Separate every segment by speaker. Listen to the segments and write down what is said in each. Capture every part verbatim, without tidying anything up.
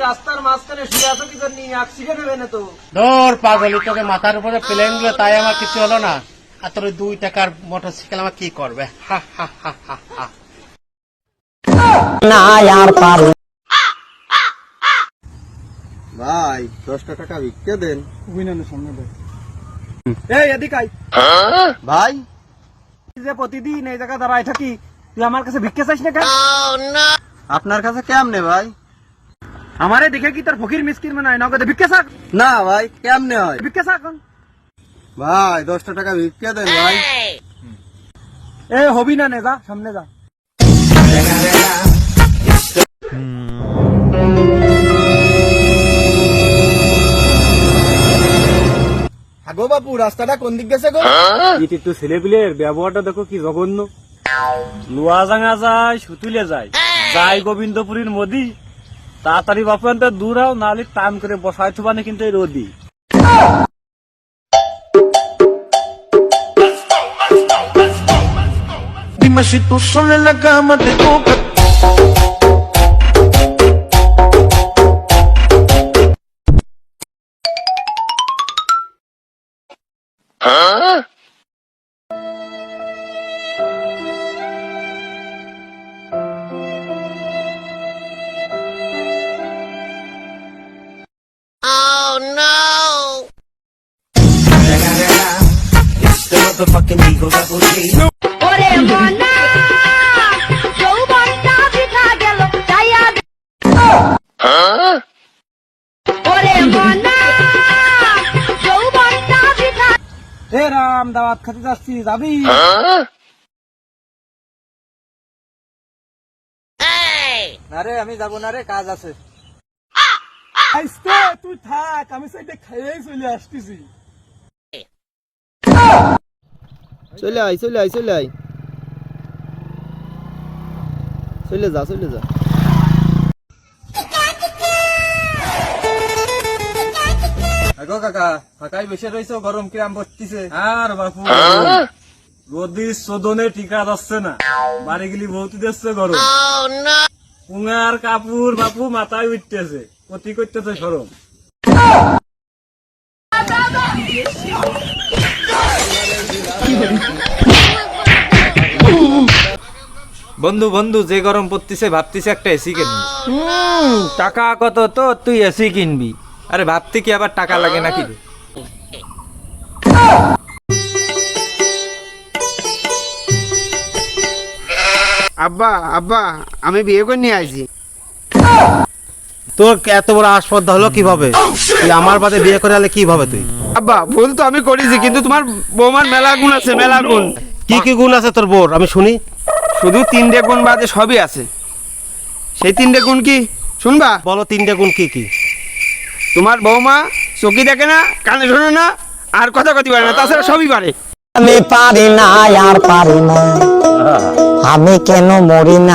Speaker 1: রাস্তার মাঝখানে শুয়ে আছো কি জন্য? অ্যাক্সিডেন্ট হবে না তো?
Speaker 2: ধর পাগলি, তোকে মাথার উপরে প্লেন গুলো তাই আমার কিছু হলো না, আর তোর ওই দুই টাকার মোটরসাইকেল আমার কি করবে? হা হা হা হা হা।
Speaker 3: না আর পারু
Speaker 4: ভাই দশটা টাকা ভিক্ষে দেন।
Speaker 1: সামনে দেখ। এই এদিকে আয়।
Speaker 4: ভাই
Speaker 1: যে প্রতিদিন এই জায়গা দাঁড়ায় থাকি, তুই আমার কাছে ভিক্ষা চাইস না কেন?
Speaker 4: আপনার কাছে কেমনে ভাই?
Speaker 1: আমারে দেখে কি তোর ফকির মিসকিন মনে হয়? নগদে ভিক্ষা চাক,
Speaker 4: না ভাই কেমনে হয়?
Speaker 1: ভিক্ষা চাক।
Speaker 4: ভাই দশটা টাকা ভিক্ষে দেন ভাই।
Speaker 1: এ হবি না, নে যা সামনে যা।
Speaker 4: আগো বাপু রাস্তাটা কোন দিক গেছে গো?
Speaker 5: একটু ছেলেপিলের ব্যবহারটা দেখো কি জঘন্য। লোয়াজাঙ্গা যায়, সুতুলে যায়, যায় গোবিন্দপুরীর মোদি। তাড়াতাড়ি বাপু আনতে দূর হও, নাহলে টাইম করে বসাই থুবানে কিন্তু এই রোদি।
Speaker 6: Dime si tú sola en la cama te toca.
Speaker 7: Oh no!
Speaker 6: The motherfucking Eagle Double G.
Speaker 7: ওরে মনা যৌবনটা বৃথা গেল চাইয়া দে। ওরে মনা যৌবনটা বৃথা।
Speaker 1: এ রাম, দাওয়াত খেতে যাচ্ছি, যাবি? না রে, আমি যাবো না রে, কাজ আছে। আইস্তে তুই থাক, আমি সাইডে খাইয়েই চলে আসতেছি।
Speaker 4: চলে আই চলে আই চলে আই চলে যা চলে যা।
Speaker 1: আগো কাকা, ফাঁকাই বসে রয়েছে, গরম কিরাম পড়তিছে।
Speaker 5: আর বাপু রোদি চোদনে টিকা যাচ্ছে না, বাড়ি গেলি বহুত দিচ্ছে গরম।
Speaker 7: Oh no!
Speaker 5: পুঙার কাপড় বাপু মাথায় উঠতেছে, ক্ষতি করতেছে সরম।
Speaker 8: বন্ধু বন্ধু যে গরম পড়তিছে ভাবতিছে একটা এসি কিনবি।
Speaker 9: টাকা কত তো তুই এসি কিনবি?
Speaker 8: আরে ভাবতে কি আবার টাকা লাগে নাকি রে?
Speaker 4: আব্বা আব্বা আমি বিয়ে করে নিয়ে আইছি।
Speaker 2: তোর এত বড় আসপর্দা হলো কিভাবে? তুই আমার বাদে বিয়ে করে আলে কিভাবে তুই?
Speaker 4: আব্বা ভুল তো আমি করেছি, কিন্তু তোমার বৌমার মেলা গুণ আছে, মেলা গুণ।
Speaker 2: কি কি গুণ আছে তোর বোর, আমি শুনি।
Speaker 4: শুধু তিনটে গুণ বাদে সবই আছে। সেই তিনটে গুণ কি শুনবা?
Speaker 2: বলো তিনটে গুণ কি কি?
Speaker 4: তোমার বৌমা চোখে দেখে না, কানে শোনে না, আর কথা কথি পারে না, তাছাড়া সবই পারে।
Speaker 3: আমি পারি না আর পারি না, আমি কেন মরি না।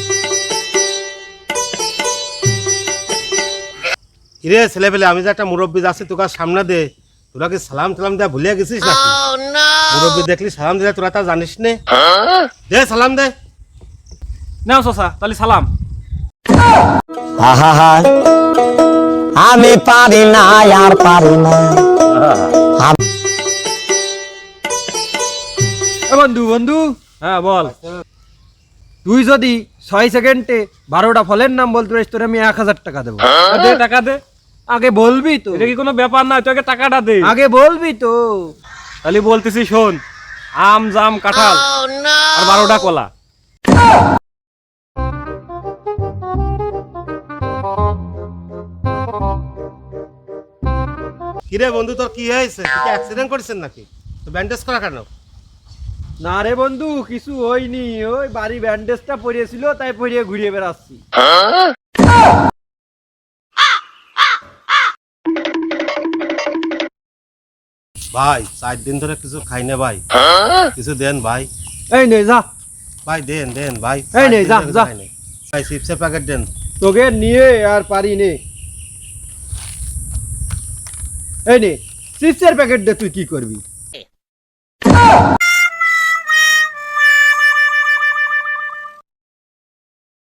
Speaker 2: কিরে ছেলে পেলে, আমি যে একটা মুরব্বী যাচ্ছি তোকে সামনে দে, তোরা কি সালাম টালাম দেয়া ভুলিয়া গেছিস নাকি?
Speaker 7: Oh no!
Speaker 2: মুরব্বী দেখলি সালাম দিলে তোরা তা জানিস নে? দে সালাম দে।
Speaker 5: নাও চাচা তাহলে সালাম।
Speaker 3: আহা হা, আমি পারি না আর পারি না।
Speaker 9: এ বন্ধু বন্ধু,
Speaker 5: হ্যাঁ বল।
Speaker 9: তুই যদি ছয় সেকেন্ডে বারোটা ফলের নাম বলতে পারিস, তোর আমি এক হাজার টাকা দেবো।
Speaker 5: দে টাকা দে।
Speaker 9: আগে বলবি তো?
Speaker 5: এটা কি কোনো ব্যাপার না, তুই আগে টাকাটা দে।
Speaker 9: আগে বলবি তো?
Speaker 5: তাহলে বলতেছি শোন, আম জাম কাঁঠাল
Speaker 7: Oh no!
Speaker 5: আর বারোটা কলা।
Speaker 2: কিরে বন্ধু তোর কি হয়েছে? তুই কি অ্যাক্সিডেন্ট করেছেন নাকি? তো ব্যান্ডেজ করা কেন?
Speaker 9: না রে বন্ধু, কিছু হয়নি, ওই বাড়ি ব্যান্ডেজটা পরিয়েছিল তাই পরিয়ে ঘুরিয়ে বেড়াচ্ছি।
Speaker 2: ভাই চার দিন ধরে কিছু খাই না ভাই, কিছু দেন ভাই।
Speaker 9: এই নে যা,
Speaker 2: ভাই দেন দেন ভাই।
Speaker 9: এই নে,
Speaker 2: চার দিন
Speaker 9: যা,
Speaker 2: ধরে
Speaker 9: যা।
Speaker 2: খাই নাই। ভাই চিপসের প্যাকেট দেন।
Speaker 9: তোকে নিয়ে আর পারি নে। এই নে চিপসের প্যাকেট দে, তুই কি করবি?